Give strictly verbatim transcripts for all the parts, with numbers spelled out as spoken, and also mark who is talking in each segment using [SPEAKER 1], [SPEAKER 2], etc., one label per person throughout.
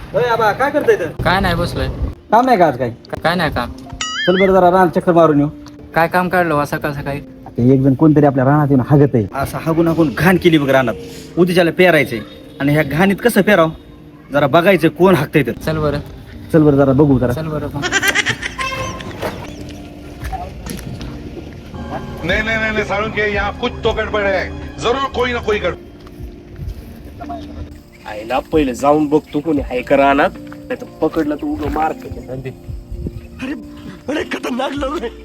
[SPEAKER 1] होय आबा काय करताय इथं?
[SPEAKER 2] काय नाही बसलोय.
[SPEAKER 1] काम नाही का आज काय?
[SPEAKER 2] काय नाही काम.
[SPEAKER 1] चल बरं जरा रान चक्कर मारून येऊ.
[SPEAKER 2] काय काम काढलं वा सकाळ सकाळी?
[SPEAKER 1] आता एक जण कोणतरी आपल्या रानात येऊन हागत आहे, असं हागून हागून घाण केली बघ रानात. उद्याच्याला पेरायचंय आणि ह्या घाणीत कसं पेराव जरा बघायचं कोण हागतंय तर.
[SPEAKER 2] चल बरं.
[SPEAKER 1] चल बरं जरा बघू जरा.
[SPEAKER 2] चल बरं मग.
[SPEAKER 3] नहीं नहीं नहीं, नहीं सारुण के यहाँ कुछ तो गड़बड़ है, जरूर कोई ना कोई गड़बड़.
[SPEAKER 4] आईला पहिले जाऊन बघतो कोणी हाय का रानात, नाही तर पकडलं तू उगं मार खाते. अरे अरे खतरनाक लोक आहे.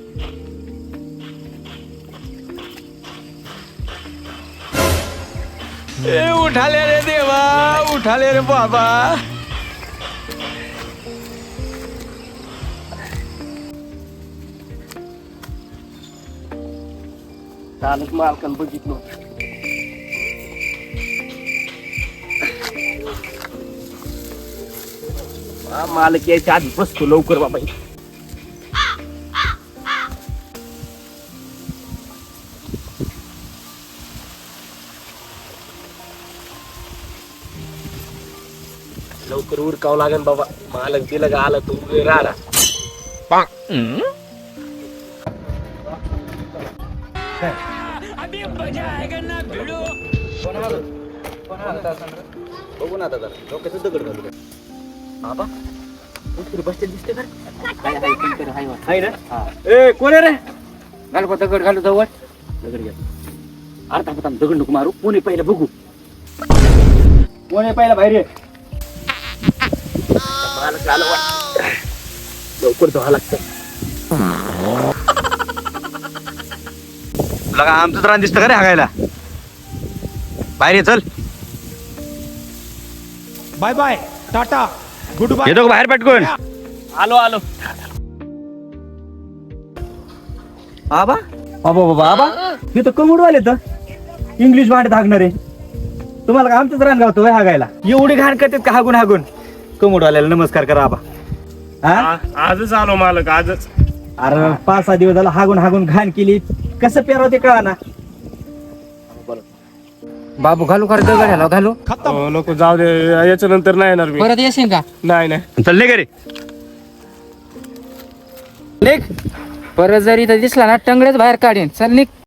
[SPEAKER 2] ए उठाले रे देवा, उठाले रे बाबा.
[SPEAKER 4] कालच मालकान बघितलं. हा, मालक यायच्या आधी बसतो लवकर बाबा. लवकर उरकावं लागेल बाबा. मालक दिलं का आला तू राहणार.
[SPEAKER 1] बघू ना आता जरा डोक्याचं दगड घालू.
[SPEAKER 4] बाबा कोणतरी बसते दिसते का? हाय हाय कोणतरी हाय वाटतं.
[SPEAKER 1] आहे ना? ए कोण आहे रे?
[SPEAKER 2] घाल को दगड घालू जवळ.
[SPEAKER 1] दगड घ्या. अर्धा पता दगड नको मारू. कोण आहे पहिला बघू. कोण आहे पहिला बाहेर ये.
[SPEAKER 4] मालक आलं वाटतं. लवकर धुवा लागतं.
[SPEAKER 1] लगा आमचं रान दिसतं का रे हागायला? बाहेर ये चल.
[SPEAKER 5] Bye bye tata goodbye.
[SPEAKER 1] येतो का बाहेर पटकून?
[SPEAKER 4] आलो आलो.
[SPEAKER 1] आबा बाबा बाबा आबा हे तर कमुडू आले तर इंग्लिश भांडत हागणारे. तुम्हाला का आमचंच रान गावतो होय हागायला? एवढी घाण करतात का हागून हागून? कमुडू आल्याला नमस्कार करा आबा. हा
[SPEAKER 4] आ- आजच आलो मालक आजच.
[SPEAKER 1] अरे पाच सहा दिवस झाला हागून हागून घाण केली. कसं पेराव ते कळा ना.
[SPEAKER 2] बाबू घालू खरं दगड ह्याला घालू.
[SPEAKER 4] हो, नको जाऊ दे, याच्या नंतर नाही येणार मी.
[SPEAKER 2] परत येशील का?
[SPEAKER 4] नाही नाही.
[SPEAKER 1] चल घरी लेख.
[SPEAKER 2] परत जर इथं दिसला ना टंगडेच बाहेर काढीन. चल निघ.